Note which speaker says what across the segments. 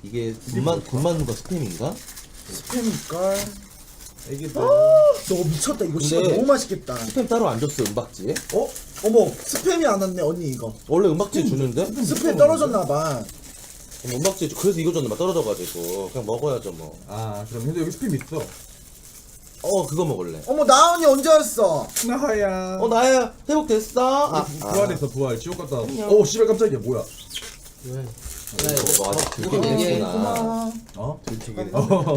Speaker 1: 이게 돈 맞는 거 스팸인가?
Speaker 2: 스팸일걸?
Speaker 3: 애기들.
Speaker 2: 너 미쳤다. 이거 진짜
Speaker 1: 근데
Speaker 2: 너무 맛있겠다.
Speaker 1: 스팸 따로 안 줬어 은박지에?
Speaker 2: 어? 어머, 스팸이 안 왔네 언니 이거.
Speaker 1: 원래 은박지에 주는데?
Speaker 2: 스팸 떨어졌나봐.
Speaker 1: 은박지에 그래서 이거 줬는데 떨어져가지고 그냥 먹어야죠 뭐.
Speaker 3: 아 그럼 근데 여기 스팸 있어.
Speaker 1: 그거 먹을래.
Speaker 2: 어머, 나은이 언제 왔어?
Speaker 3: 나야.
Speaker 1: 나야 회복됐어?
Speaker 3: 부활했어 부활. 지옥 갔다. 오 씨발 깜짝이야 뭐야?
Speaker 4: 왜?
Speaker 1: 이거 아직 들키겠구나.
Speaker 2: 고마워.
Speaker 3: 어?
Speaker 1: 들키긴.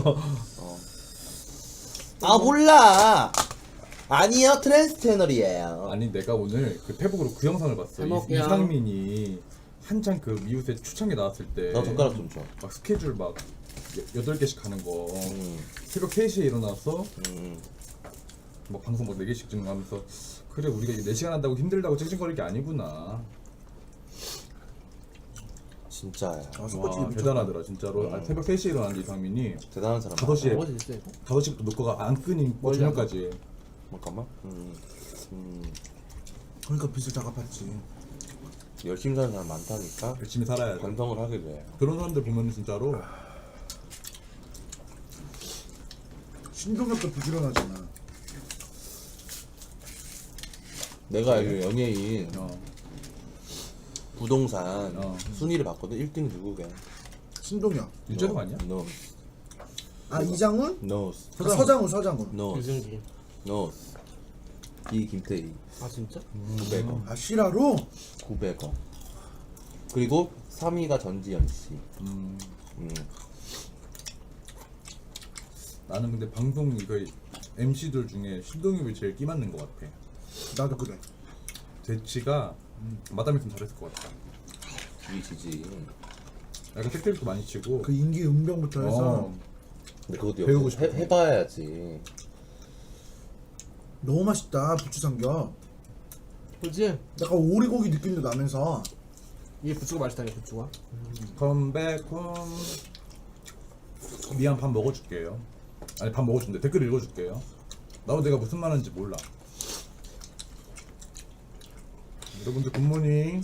Speaker 1: 몰라. 아니요 트랜스 채널이에요.
Speaker 3: 아니 내가 오늘 그 페북으로 그 영상을 봤어.
Speaker 4: 잘 먹게요.
Speaker 3: 이상민이 한창 그 미우새 초창기 나왔을 때.
Speaker 1: 나 젓가락 좀 줘.
Speaker 3: 막 스케줄 막 8개씩 가는 거. 새벽 3시에 일어나서 뭐 방송 막 4개씩 찍는하면서 그래 우리가 이게 4시간 한다고 힘들다고 찡찡거릴 게 아니구나.
Speaker 1: 진짜야.
Speaker 3: 와 대단하더라 진짜로. 새벽 3시에 일어났는데 이상민이
Speaker 1: 대단한 사람.
Speaker 3: 5시에
Speaker 4: 먹을 수 있어 이거?
Speaker 3: 5시부터 녹화가 안 끊인 저녁까지.
Speaker 1: 잠깐만.
Speaker 2: 그러니까 빚을 다 갚았지.
Speaker 1: 열심히 사는 사람 많다니까.
Speaker 3: 열심히 살아야 돼.
Speaker 1: 반성을 하게 돼.
Speaker 3: 그런 사람들 보면 진짜로
Speaker 2: 신동엽도 부지런하잖아.
Speaker 1: 내가 알기로 연예인
Speaker 3: 어.
Speaker 1: 부동산 순위를 봤거든. 1등이 누구게?
Speaker 2: 신동엽.
Speaker 3: 유재석 아니야?
Speaker 1: No.
Speaker 2: 아, 이장훈?
Speaker 1: No.
Speaker 2: 서장훈.
Speaker 1: No.
Speaker 4: 유승기.
Speaker 1: No. 김태희.
Speaker 4: 아 진짜?
Speaker 1: 900원.
Speaker 2: 아, 실화로?
Speaker 1: 900원. 그리고 3위가 전지현 씨.
Speaker 3: 나는 근데 방송 이거 MC들 중에 신동엽이 제일 끼 맞는 것 같아.
Speaker 2: 나도 그래.
Speaker 3: 대치가 마담 있으면 잘했을 것 같아.
Speaker 1: 지지.
Speaker 3: 약간 택배도 많이 치고.
Speaker 2: 그 인기 응병부터 해서
Speaker 1: 근데 그것도
Speaker 3: 배우고
Speaker 1: 역시
Speaker 3: 싶어.
Speaker 1: 해봐야지.
Speaker 2: 너무 맛있다. 부추 삼겹.
Speaker 4: 그렇지?
Speaker 2: 약간 오리고기 느낌도 나면서.
Speaker 4: 이게 부추가 맛있다니 부추가.
Speaker 3: 컴백홈. 미안 밥 먹어줄게요. 아니 밥 먹어준대. 댓글 읽어줄게요. 나도 내가 무슨 말 하는지 몰라. 여러분들 굿모닝.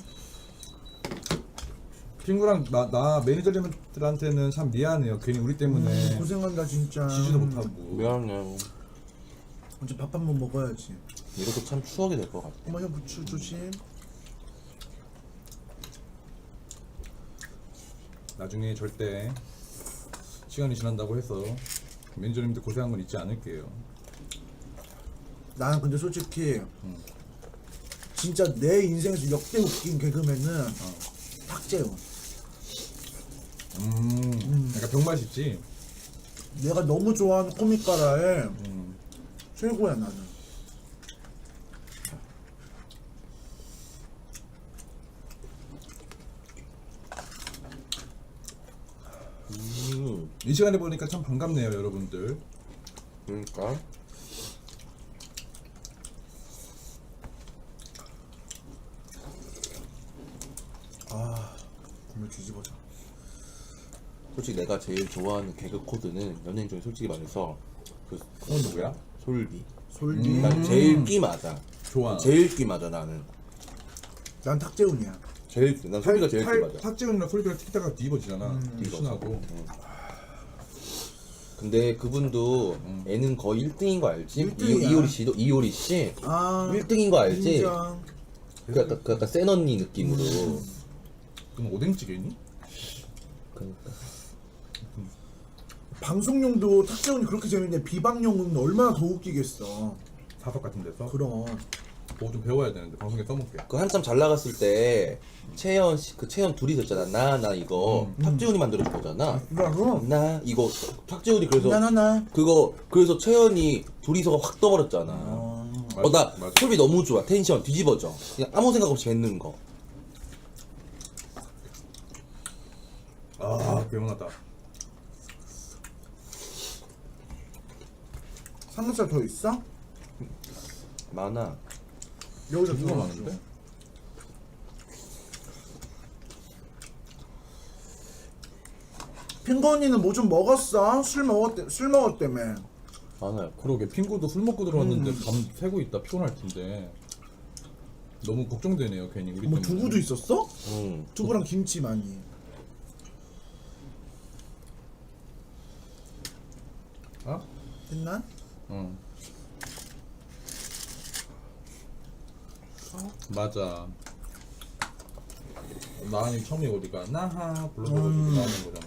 Speaker 3: 친구랑 나 매니저님들한테는 참 미안해요. 괜히 우리 때문에
Speaker 2: 고생한다 진짜.
Speaker 3: 쉬지도 못하고.
Speaker 1: 미안해.
Speaker 2: 언제 밥 한 번 먹어야지.
Speaker 1: 이것도 참 추억이 될 것 같아.
Speaker 2: 어머, 형 부추 조심.
Speaker 3: 나중에 절대 시간이 지난다고 해서 매니저님들 고생한 건 잊지 않을게요.
Speaker 2: 나는 근데 솔직히 진짜 내 인생에서 역대 웃긴 개그맨은 탁재훈.
Speaker 3: 약간 병맛 있지.
Speaker 2: 내가 너무 좋아하는 코믹가라에 최고야 나는.
Speaker 3: 이 시간에 보니까 참 반갑네요, 여러분들.
Speaker 1: 그러니까.
Speaker 2: 아, 국물 뒤집어져.
Speaker 1: 솔직히 내가 제일 좋아하는 개그 코드는 연예인 중에 솔직히 말해서 그
Speaker 3: 그건 누구야?
Speaker 1: 솔비.
Speaker 2: 솔비.
Speaker 1: 난 제일 끼 맞아.
Speaker 3: 좋아.
Speaker 1: 제일 끼 맞아 나는.
Speaker 2: 난 탁재훈이야.
Speaker 1: 난 솔비가 제일 끼 맞아.
Speaker 3: 탁재훈이랑 솔비랑 티키타가 뒤집어지잖아. 신하고.
Speaker 1: 근데 그분도 애는 거의 1등인 거 알지?
Speaker 2: 1등이야.
Speaker 1: 이효리 씨도 이효리 씨
Speaker 2: 아,
Speaker 1: 1등인 거 알지?
Speaker 2: 인정.
Speaker 1: 그 약간 센 언니 느낌으로.
Speaker 3: 그럼 오뎅찌개니?
Speaker 1: 그러니까.
Speaker 2: 방송용도 탁재훈이 그렇게 재밌는데 비방용은 얼마나 더 웃기겠어.
Speaker 3: 사석 같은 데서.
Speaker 2: 그럼.
Speaker 3: 그거 좀 배워야 되는데 방송에 써먹게.
Speaker 1: 그 한참 잘 나갔을 때 채연 씨, 그 채연 둘이 있었잖아. 나 이거 탁재훈이 만들어준 거잖아.
Speaker 2: 그럼.
Speaker 1: 나 이거 탁재훈이 그래서
Speaker 2: 나나나.
Speaker 1: 그거 그래서 채연이 둘이서 확 떠버렸잖아. 나
Speaker 3: 맞아.
Speaker 1: 솔비 너무 좋아. 텐션 뒤집어져. 그냥 아무 생각 없이 뱉는 거.
Speaker 3: 아, 개운하다.
Speaker 2: 삼겹살 더 있어?
Speaker 1: 많아.
Speaker 2: 여기서
Speaker 3: 누가
Speaker 2: 두개
Speaker 3: 많은데?
Speaker 2: 핑거 언니는 뭐 좀 먹었어? 술 먹었다며.
Speaker 1: 많아요.
Speaker 3: 그러게 핑구도 술 먹고 들어왔는데 밤 새고 있다 피곤할 텐데. 너무 걱정되네요 괜히 우리
Speaker 2: 뭐
Speaker 3: 때문에.
Speaker 2: 두부도 있었어?
Speaker 1: 응.
Speaker 2: 두부랑 김치 많이.
Speaker 3: 어?
Speaker 2: 했나?
Speaker 3: 응. 맞아. 나은이 처음에 우리가 나하 불러가지고 나오는 거잖아.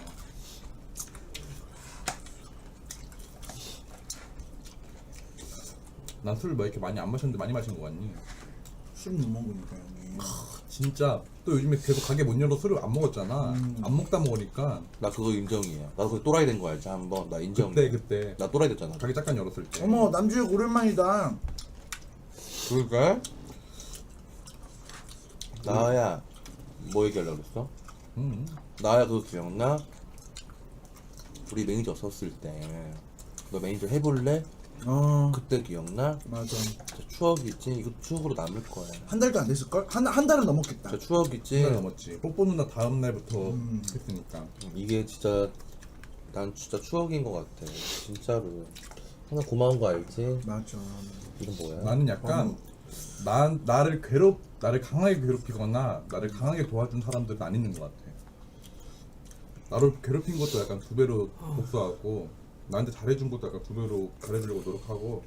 Speaker 3: 난 술 뭐 이렇게 많이 안 마셨는데 많이 마신 거 같니?
Speaker 2: 술은 못 먹으니까 형님.
Speaker 3: 진짜 또 요즘에 계속 가게 못 열어 술을 안 먹었잖아. 안 먹다 먹으니까
Speaker 1: 나 그거 인정이야. 나 그거 또라이 된 거 알지? 한번 나 인정이야.
Speaker 3: 그때
Speaker 1: 나 또라이 됐잖아.
Speaker 3: 가게 잠깐 열었을 때.
Speaker 2: 어머 남주혁 오랜만이다.
Speaker 1: 그럴까? 나야 뭐 얘기하려고 그랬어?
Speaker 3: 응.
Speaker 1: 나야 그거 기억나? 우리 매니저 썼을 때 너 매니저 해볼래? 그때 기억나?
Speaker 2: 맞아.
Speaker 1: 진짜 추억이지? 이거 추억으로 남을 거야.
Speaker 2: 한 달도 안 됐을걸? 한 달은 넘었겠다.
Speaker 1: 진짜 추억이지?
Speaker 3: 날 넘었지. 뽀뽀 누나 다음 날부터 했으니까.
Speaker 1: 이게 진짜 난 진짜 추억인 것 같아. 진짜로. 항상 고마운 거 알지?
Speaker 2: 맞아.
Speaker 1: 이건 뭐야?
Speaker 3: 나는 약간 나를 강하게 괴롭히거나 나를 강하게 도와준 사람들은 안 있는 것 같아. 나를 괴롭힌 것도 약간 두 배로 복수하고 나한테 잘해준 것도 약간 두 배로 잘해주려고 노력하고.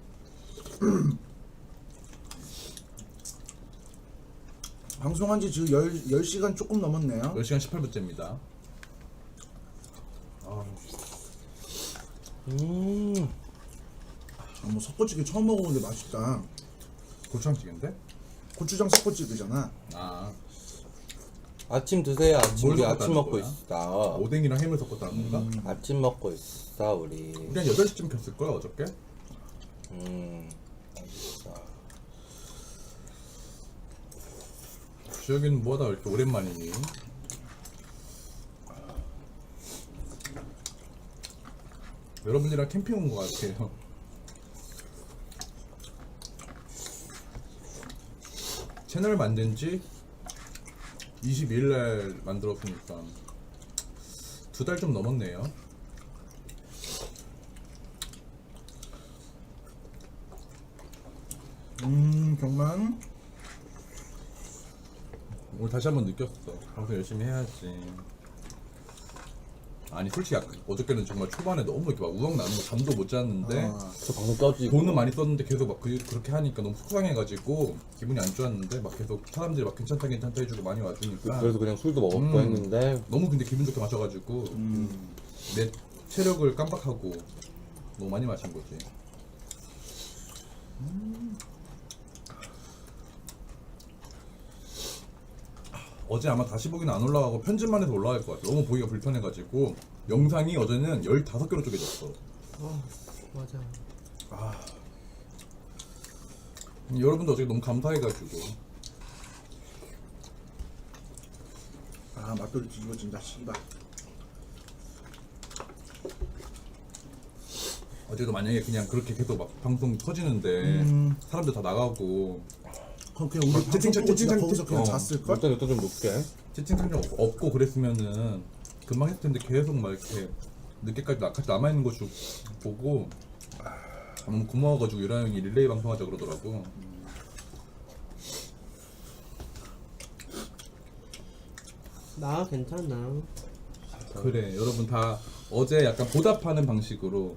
Speaker 2: 방송한 지 지금 10시간 조금 넘었네요.
Speaker 3: 10시간 18분째입니다.
Speaker 2: 뭐 석고찌개 처음 먹어보는데 맛있다.
Speaker 3: 고추장찌개인데?
Speaker 2: 고추장 석고찌개잖아.
Speaker 3: 아,
Speaker 1: 아침 드세요. 아침.
Speaker 3: 뭘
Speaker 1: 우리
Speaker 3: 섞었다는
Speaker 1: 아침 먹고
Speaker 3: 거야?
Speaker 1: 있어.
Speaker 3: 오뎅이랑 햄을 섞었다는 건가?
Speaker 1: 아침 먹고 있어 우리.
Speaker 3: 우리 한 8시쯤 켰을 거야 어저께?
Speaker 1: 알겠어.
Speaker 3: 주혁이는 뭐하다 이렇게 오랜만이니? 여러분이랑 캠핑 온 것 같아요. 채널 만든 지 22일 날 만들었으니까 2달 좀 넘었네요.
Speaker 2: 정말.
Speaker 3: 오늘 다시 한번 느꼈어. 방송 열심히 해야지. 아니 솔직히 어저께는 정말 초반에 너무 이렇게 막 우엉 나는 거 잠도 못 잤는데
Speaker 1: 저 방송 꺼지고.
Speaker 3: 돈은 많이 썼는데 계속 막 그렇게 하니까 너무 속상해가지고 기분이 안 좋았는데 막 계속 사람들이 막 괜찮다 해주고 많이 와주니까
Speaker 1: 그래서 그냥 술도 먹었고 했는데
Speaker 3: 너무 근데 기분 좋게 마셔가지고 내 체력을 깜빡하고 너무 많이 마신 거지. 어제 아마 다시 보기는 안 올라가고 편집만 해서 올라갈 것 같아. 너무 보기가 불편해가지고 영상이 어제는 15개로 쪼개졌어.
Speaker 4: 맞아.
Speaker 3: 여러분도 어제 너무 감사해가지고.
Speaker 2: 아 맛돌이 뒤집어진다 씨발.
Speaker 3: 어제도 만약에 그냥 그렇게 계속 막 방송 터지는데 사람들 다 나가고
Speaker 2: 그럼 그냥 우리 방송
Speaker 3: 채팅창,
Speaker 2: 보고 진짜
Speaker 3: 채팅창,
Speaker 2: 거기서 그냥
Speaker 3: 어.
Speaker 2: 잤을걸?
Speaker 1: 일단 좀 높게.
Speaker 3: 채팅창 좀 없고 그랬으면은 금방 했을 텐데 계속 막 이렇게 늦게까지 같이 남아있는 거 보고 너무 고마워가지고 유라 형이 릴레이 방송하자 그러더라고.
Speaker 4: 나 괜찮아.
Speaker 3: 그래 여러분 다 어제 약간 보답하는 방식으로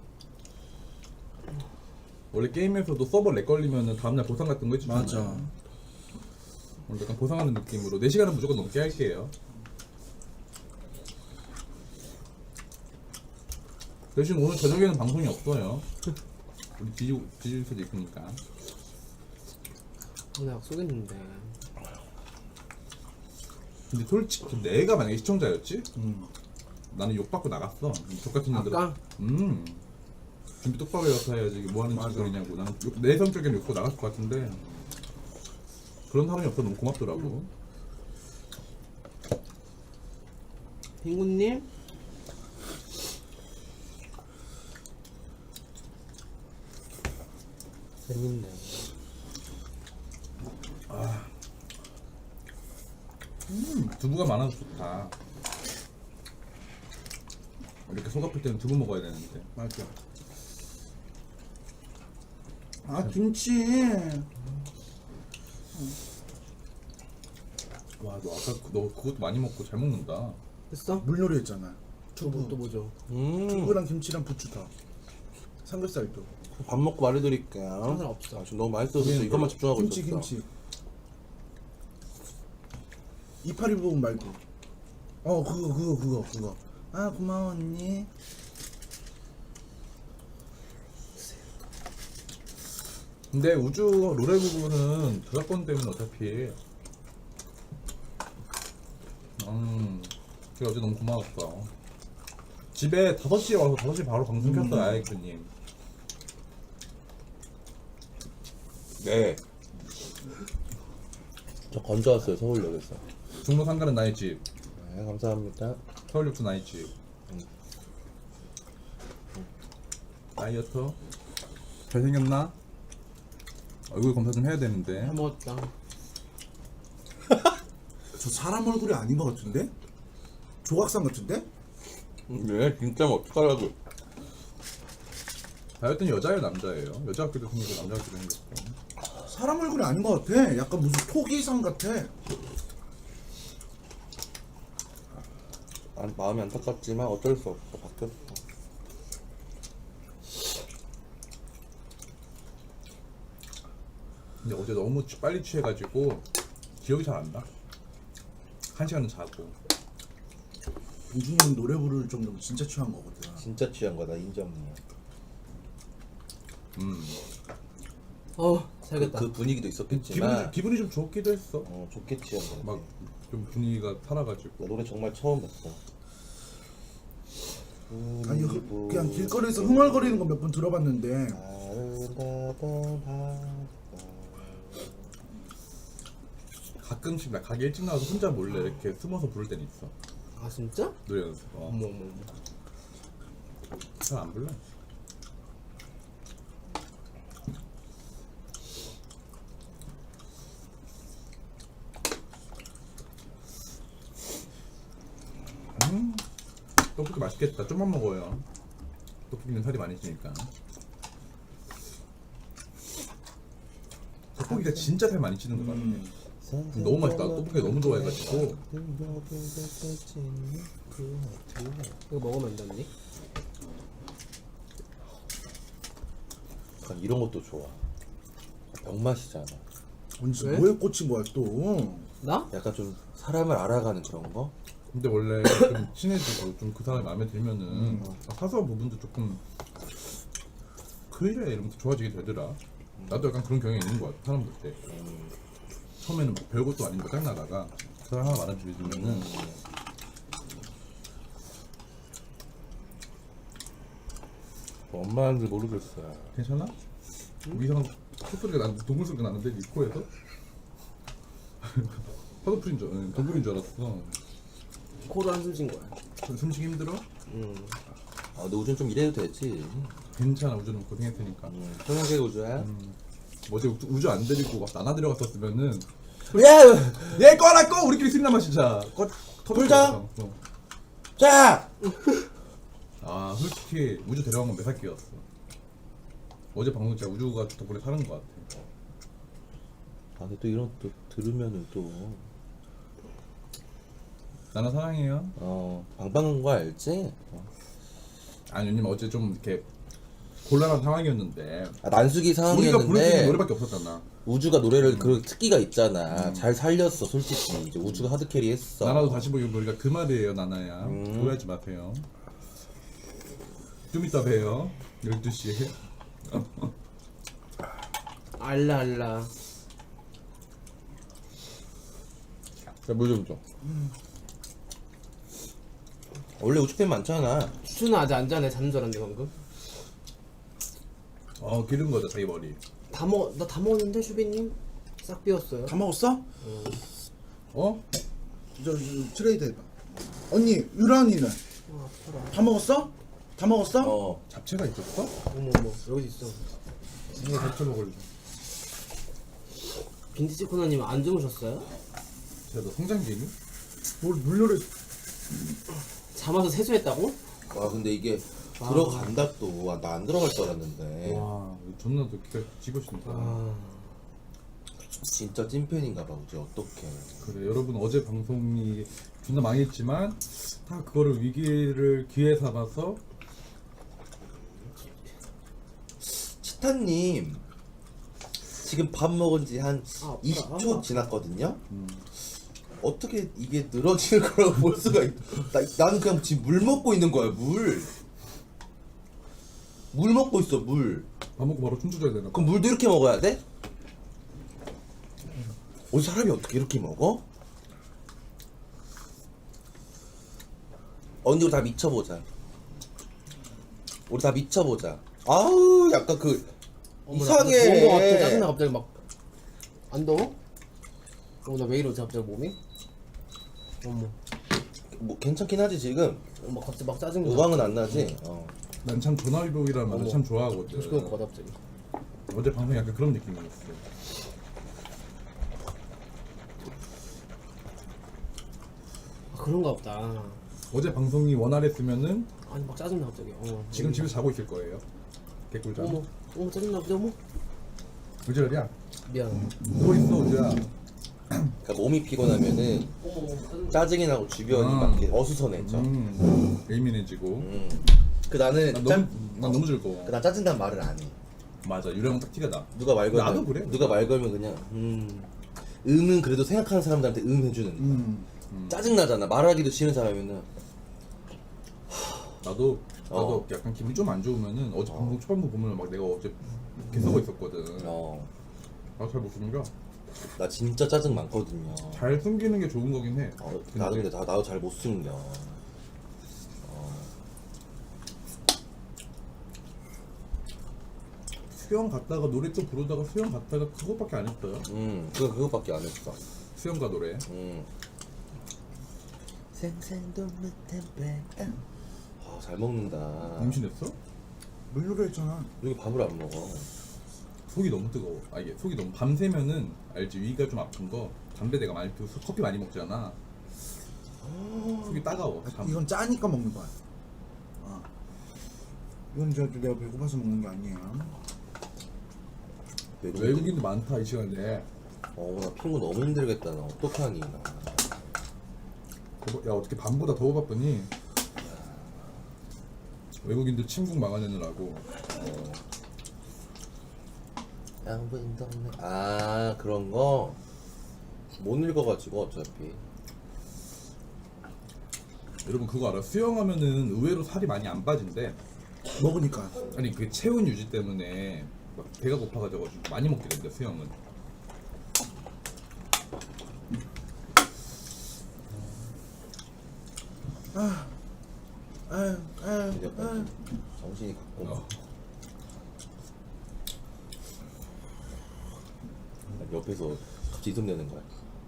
Speaker 3: 원래 게임에서도 서버 렉 걸리면은 다음날 보상 같은 거 해주잖아.
Speaker 2: 맞아.
Speaker 3: 오늘 약간 보상하는 느낌으로 4시간은 무조건 넘게 할게요. 대신 오늘 저녁에는 방송이 없어요. 우리 뒤질 수도 있으니까.
Speaker 4: 오늘 약속했는데.
Speaker 3: 근데 솔직히 내가 만약에 시청자였지? 나는 욕받고 나갔어. 똑같은 년들.
Speaker 4: 아까?
Speaker 3: 준비 똑바로 해서 해야지. 이게 뭐 하는 짓거리냐고. 나는 내 성격에는 욕고 나갔을 것 같은데 그런 사람이 없어 너무 고맙더라고.
Speaker 4: 빙구님?
Speaker 1: 재밌네.
Speaker 3: 두부가 많아서 좋다. 이렇게 속 아플 때는 두부 먹어야 되는데.
Speaker 2: 맞아. 아 김치.
Speaker 3: 와, 너 아까 너 그것도 많이 먹고 잘 먹는다.
Speaker 4: 됐어?
Speaker 2: 물놀이 했잖아.
Speaker 4: 두부 또 뭐죠?
Speaker 2: 두부랑 김치랑 부추 더. 삼겹살도.
Speaker 1: 밥 먹고 말해드릴게요.
Speaker 4: 상관없어.
Speaker 1: 아, 지금 너무 맛있어서 이것만 집중하고
Speaker 2: 김치
Speaker 1: 있었어.
Speaker 2: 김치. 이파리 부분 말고. 그거. 아 고마워 언니.
Speaker 3: 근데 우주 롤의 부분은 저작권 때문에 어차피 그게 어제 너무 고마웠어. 집에 5시에 와서 5시 바로 방송 켰어요 아이크님.
Speaker 1: 네. 저 건져 왔어요 서울역에서.
Speaker 3: 중로 상가는 나의 집,
Speaker 1: 네 감사합니다.
Speaker 3: 서울역도 나의 집. 다이어트 잘생겼나? 얼굴 검사 좀 해야 되는데.
Speaker 4: 다 먹었다.
Speaker 2: 저 사람 얼굴이 아닌 것 같은데? 조각상 같은데?
Speaker 1: 네 진짜 어떡하라고.
Speaker 3: 다이어트는 여자예요 남자예요? 여자 같기도 생기고 남자 같기도 생겼어.
Speaker 2: 사람 얼굴이 아닌 것 같아. 약간 무슨 토기상 같아.
Speaker 1: 마음이 안타깝지만 어쩔 수 없어. 바뀌었어.
Speaker 3: 근데 어제 너무 빨리 취해가지고 기억이 잘 안 나. 1시간은 자고.
Speaker 2: 우준이 형 노래 부를 정도면 진짜 취한 거거든.
Speaker 1: 진짜 취한 거다 인정이야.
Speaker 4: 살겠다.
Speaker 1: 그 분위기도 있었겠지만
Speaker 3: 기분이 좀 좋기도 했어.
Speaker 1: 좋게 취한 거다.
Speaker 3: 막 좀 분위기가 살아가지고.
Speaker 1: 나 노래 정말 처음 봤어.
Speaker 2: 아니 그냥 길거리에서 흥얼거리는 거 몇 번 들어봤는데
Speaker 3: 가끔씩 나 가게 일찍 나와서 혼자 몰래 이렇게 숨어서 부를 때는 있어.
Speaker 4: 아 진짜?
Speaker 3: 노래 연습.
Speaker 4: 어머.
Speaker 3: 잘 안 불러. 떡볶이 맛있겠다. 좀만 먹어요. 떡볶이는 살이 많이 찌니까. 떡볶이가 진짜 살 많이 찌는 거 같아. 너무 맛있다. 떡볶이 너무 좋아해가지고.
Speaker 4: 이거 먹으면 안 되니?
Speaker 1: 약간 이런 것도 좋아. 병맛이잖아.
Speaker 2: 언제
Speaker 4: 왜?
Speaker 2: 뭐에 꽂힌 거야 또?
Speaker 4: 나?
Speaker 1: 약간 좀 사람을 알아가는 그런 거?
Speaker 3: 근데 원래 좀 친해지고 좀 그 사람이 마음에 들면은 사소한 부분도 조금 그래 이러면서 좋아지게 되더라. 나도 약간 그런 경향이 있는 것 같아. 사람들 때 처음에는 뭐 별것도 아닌 거 짱나다가 그 사람 하나 말아주면은
Speaker 1: 엄마한테 모르겠어요.
Speaker 3: 괜찮아? 이상한 콧소리가 난 동물 소리가 나는데 네 코에서 파도풀인 줄 동물인 줄 알았어.
Speaker 4: 코로 한숨 쉰 거야.
Speaker 3: 숨쉬기 힘들어?
Speaker 1: 아, 근데 우준 좀 이래도 되지.
Speaker 3: 괜찮아. 우주는 고생했으니까.
Speaker 1: 평양계 우주야.
Speaker 3: 어제 우주 안 데리고 막 나나 데려갔었으면은
Speaker 1: 야!
Speaker 3: 얘 꺼라 꺼! 우리끼리 술이나 마시자.
Speaker 1: 불자! 자!
Speaker 3: 아 솔직히 우주 데려간 건 매사기였어. 어제 방송 진짜 우주가 덕분에 사는 것 같아.
Speaker 1: 아, 근데 또 이런 또 들으면은 또
Speaker 3: 나나 사랑해요.
Speaker 1: 방방한 거 알지?
Speaker 3: 아니 왜냐면 어제 좀 이렇게 곤란한 상황이었는데
Speaker 1: 아, 난수기
Speaker 3: 우리가 부를 수 있는
Speaker 1: 상황이었는데
Speaker 3: 노래밖에 없었잖아.
Speaker 1: 우주가 노래를 그 특기가 있잖아. 잘 살렸어 솔직히. 이제 우주가 하드캐리 했어.
Speaker 3: 나나도 다시 보기 우리가 그 말이에요 나나야. 오해하지 마세요. 좀 이따 봬요. 12시에.
Speaker 4: 알라.
Speaker 1: 자, 물 좀 줘. 원래 우주팬 많잖아.
Speaker 4: 추는 아직 안 자네. 자는 줄 알았는데 방금.
Speaker 3: 기른 거죠 자기 머리.
Speaker 4: 나 다 먹었는데 슈비님 싹 비웠어요.
Speaker 2: 다 먹었어?
Speaker 3: 어?
Speaker 2: 저 트레이드 해봐. 언니 유란이는
Speaker 4: 아파라.
Speaker 2: 다 먹었어? 다 먹었어?
Speaker 3: 잡채가 있었어?
Speaker 4: 어머 여기 있어.
Speaker 3: 이거 잡채 먹을래.
Speaker 4: 빈티지 코너님 안 주무셨어요?
Speaker 3: 너 성장기니?
Speaker 2: 뭘 물려를
Speaker 4: 잠아서 세수했다고?
Speaker 1: 와, 근데 이게 들어간다 또. 아, 나 안 들어갈 줄 알았는데.
Speaker 3: 와 존나 너 기가 집어신다.
Speaker 1: 진짜 찐팬인가 봐, 우주. 어떡해.
Speaker 3: 그래 여러분 어제 방송이 존나 망했지만 다 그거를 위기를 기회 삼아서
Speaker 1: 스탄님 지금 밥 먹은 지 한
Speaker 4: 아,
Speaker 1: 20초 지났거든요. 어떻게 이게 늘어지는 거라고 볼 수가 있? 나는 그냥 지금 물 먹고 있는 거야 물. 물 먹고 있어 물.
Speaker 3: 밥 먹고 바로 춤추줘야 되나?
Speaker 1: 그럼 물도 이렇게 먹어야 돼? 사람이 어떻게 이렇게 먹어? 언니 우리 다 미쳐보자. 우리 다 미쳐보자. 아우 약간 그 이상해.
Speaker 4: 더운 거 같아. 짜증나 갑자기 막. 안 더워? 나 왜 이러지 갑자기 몸이? 어머.
Speaker 1: 뭐 괜찮긴 하지 지금.
Speaker 4: 막 갑자기 막 짜증나.
Speaker 1: 의왕은 안 나지.
Speaker 3: 난 참 전화위복이라는 말을
Speaker 4: 어머.
Speaker 3: 참 좋아하거든.
Speaker 4: 조심할 것 같아 갑자기.
Speaker 3: 어제 방송 약간 그런 느낌이었어.
Speaker 4: 그런가 보다.
Speaker 3: 어제 방송이 원활했으면은
Speaker 4: 아니 막 짜증나 갑자기.
Speaker 3: 지금 집에 자고 있을 거예요. 개꿀잠.
Speaker 4: 어머 짜증나 갑자기. 어머.
Speaker 3: 의절이야.
Speaker 4: 미안.
Speaker 3: 누워 있어 우주야.
Speaker 1: 그러니까 몸이 피곤하면은
Speaker 4: 어머 짜증나.
Speaker 1: 짜증이 나고 주변이
Speaker 3: 아.
Speaker 1: 막 이렇게 어수선해져.
Speaker 3: 예민해지고.
Speaker 1: 그 나는
Speaker 3: 난 너무 즐거워.
Speaker 1: 나 짜증난 말을 안 해.
Speaker 3: 맞아 유령 딱 티가 나.
Speaker 1: 누가 말 걸면
Speaker 3: 나도 그래.
Speaker 1: 누가 말 걸면 그냥 음은 그래도 생각하는 사람들한테 해주는 거야. 짜증 나잖아. 말하기도 싫은 사람이면은
Speaker 3: 나도 약간 기분이 좀 안 좋으면은 어제 방송 초반부 보면 막 내가 어제 이렇게 쓰고 있었거든. 잘 못 숨겨.
Speaker 1: 나 진짜 짜증 많거든요.
Speaker 3: 잘 숨기는 게 좋은 거긴 해.
Speaker 1: 나도 근데 나도 잘 못 숨겨.
Speaker 3: 수영 갔다가 노래 또 부르다가 수영 갔다가 그것밖에 안 했어요.
Speaker 1: 그거밖에 안 했어.
Speaker 3: 수영과 노래.
Speaker 1: 생생도 못한 배. 잘 먹는다.
Speaker 3: 임신했어?
Speaker 2: 물놀이 했잖아.
Speaker 1: 여기 밥을 안 먹어.
Speaker 3: 속이 너무 뜨거워. 이게 속이 너무 밤새면은 알지 위가 좀 아픈 거. 담배 내가 많이 피우고 커피 많이 먹잖아. 속이 따가워.
Speaker 2: 이건 짜니까 먹는 거야. 이건 저 내가 배고파서 먹는 게 아니에요.
Speaker 3: 외국인도 많다 이 시간에.
Speaker 1: 나 피부 너무 힘들겠다. 나 어떡하니 나.
Speaker 3: 야 어떻게 밤보다 더 바쁘니? 외국인들 침국 막아내느라고.
Speaker 1: 양분도 없네. 그런 거 못 읽어가지고 어차피.
Speaker 3: 여러분 그거 알아? 수영하면은 의외로 살이 많이 안 빠진대.
Speaker 2: 먹으니까.
Speaker 3: 아니 그 체온 유지 때문에 막 배가 고파가지고 많이 먹게 된대 수영은.
Speaker 1: 정신이 갔고. 옆에서 갑자기 이름 내는 거야.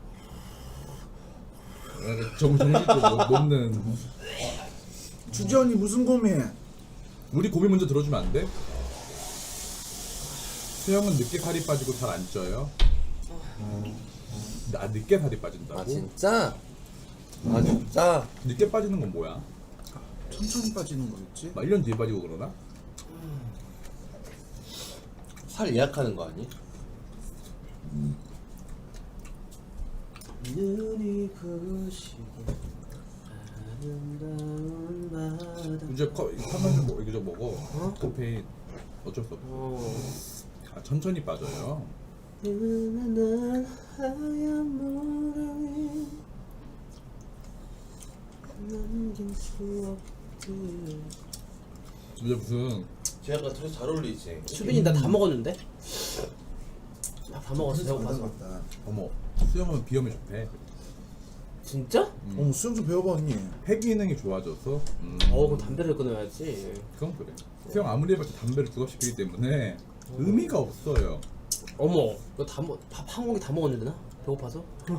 Speaker 3: 정신도 놓는.
Speaker 2: 주지언니 무슨 고민?
Speaker 3: 우리 고민 먼저 들어주면 안 돼? 수영은 늦게 살이 빠지고 잘 안 쪄요. 나 늦게 살이 빠진다고?
Speaker 1: 진짜? 진짜?
Speaker 3: 늦게 빠지는 건 뭐야?
Speaker 2: 천천히 빠지는 거겠지?
Speaker 3: 막 1년 뒤에 빠지고 그러나?
Speaker 1: 살 예약하는 거 아니? 눈이 부시게 아름다운 바다.
Speaker 3: 이제 타면 뭐 이거 먹어. 카페인 어쩔 수 없어. 천천히 빠져요.
Speaker 1: 은은한 하얀 모래 위 남긴 추억들.
Speaker 3: 이제 무슨
Speaker 1: 쟤가 되게 잘 어울리지.
Speaker 4: 수빈이 나 다 먹었는데? 다 먹었어 배고파서.
Speaker 2: 같다.
Speaker 3: 어머 수영하면 비염에 좋대.
Speaker 4: 진짜?
Speaker 2: 수영 좀 배워봐 언니.
Speaker 3: 폐 기능이 좋아져서.
Speaker 4: 그럼 담배를 끊어야지.
Speaker 3: 그건 그래. 수영 아무리 해봤자 담배를 부각시키기 때문에 의미가 없어요.
Speaker 4: 어머 이거 밥 한 공기 다 먹었는데 나? 배고파서?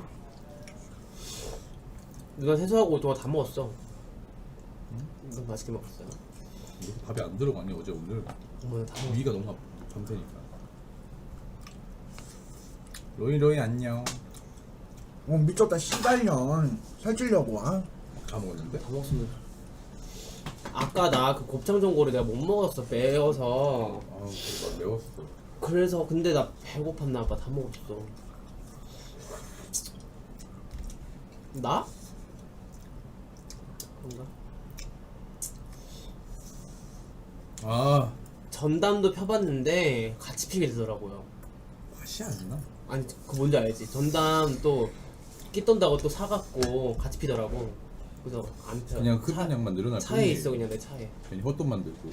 Speaker 4: 누나 세수하고 동안 다 먹었어. 너무 맛있게 먹었어요.
Speaker 3: 이렇게 밥이 안 들어가니 어제 오늘
Speaker 4: 어머 다 먹었어.
Speaker 3: 위가 너무 밤새니까. 로이 안녕.
Speaker 2: 미쳤다 씨발년. 살찌려고.
Speaker 3: 다 먹었는데?
Speaker 4: 다 먹었으면 아까 나 그 곱창 전골을 내가 못 먹었어 매워서.
Speaker 3: 그거 매웠어.
Speaker 4: 그래서 근데 나 배고팠나 봐. 다 먹었어. 나? 그런가? 전담도 펴봤는데 같이 피게 되더라고요.
Speaker 3: 맛이 안 나.
Speaker 4: 아니 그 뭔지 알지? 전담 또 끼떤다고 또 사갖고 같이 피더라고. 그래서 안 펴.
Speaker 3: 그냥 흡연 양만 늘어날
Speaker 4: 차에
Speaker 3: 뿐이에요.
Speaker 4: 있어 그냥 내 차에.
Speaker 3: 괜히 헛돈 만들고.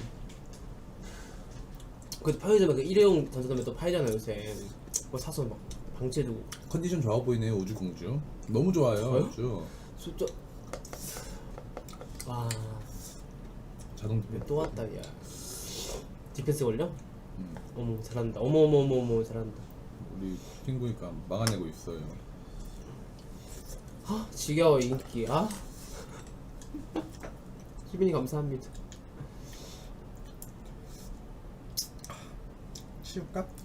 Speaker 4: 그 편의점에 그 일회용 전자담배 또 팔잖아 요새. 그거 사서 막 방치해두고.
Speaker 3: 컨디션 좋아 보이네요 우주공주. 너무 좋아요.
Speaker 4: 저요?
Speaker 3: 우주.
Speaker 4: 진짜. 와.
Speaker 3: 자동
Speaker 4: 또 왔다 야. 디펜스 걸려?
Speaker 3: 음.
Speaker 4: 어머 잘한다. 어머 잘한다.
Speaker 3: 우리 친구니까 막아내고 있어요.
Speaker 4: 아 지겨워 인기. 아. 희빈이 감사합니다.
Speaker 3: 치울까?